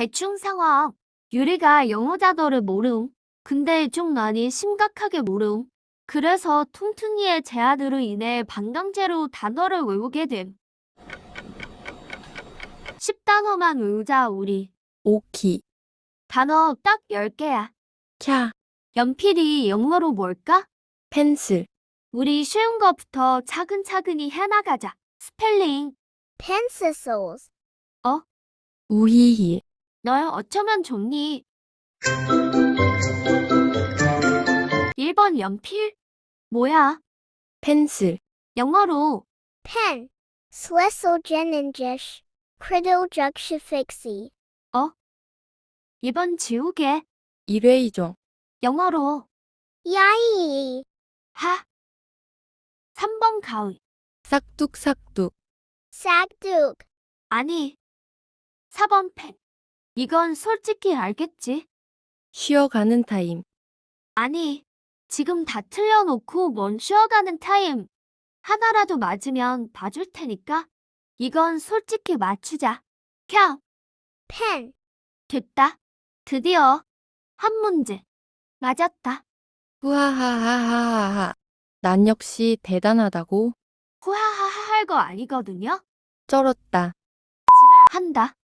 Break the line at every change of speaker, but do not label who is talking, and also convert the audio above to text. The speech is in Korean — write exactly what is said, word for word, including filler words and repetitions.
대충 상황. 유리가 영어 단어를 모름. 근데 좀 많이 심각하게 모름. 그래서 퉁퉁이의 제안으로 인해 반강제로 단어를 외우게 됨. 십 단어만 외우자 우리.
오키,
단어 딱 열 개야.
캬,
연필이 영어로 뭘까?
펜슬,
우리 쉬운 거부터 차근차근히 해나가자. 스펠링.
pencils,
우히히,
널 어쩌면 좋니? 일 번 연필? 뭐야?
펜슬,
영어로
pen, slesogeningish, cridojukshifixi,
이 번 지우개.
이레이저,
영어로
yai,
하. 삼 번 가위.
싹둑싹둑,
sagduk,
아니. 사 번 펜. 이건 솔직히 알겠지?
쉬어가는 타임,
아니. 지금 다 틀려놓고 뭔 쉬어가는 타임. 하나라도 맞으면 봐줄 테니까. 이건 솔직히 맞추자. 켜.
pen,
됐다. 드디어 한 문제. 맞았다.
후하하하하하하. 난 역시 대단하다고
후하하하 할 거 아니거든요.
쩔었다.
한다.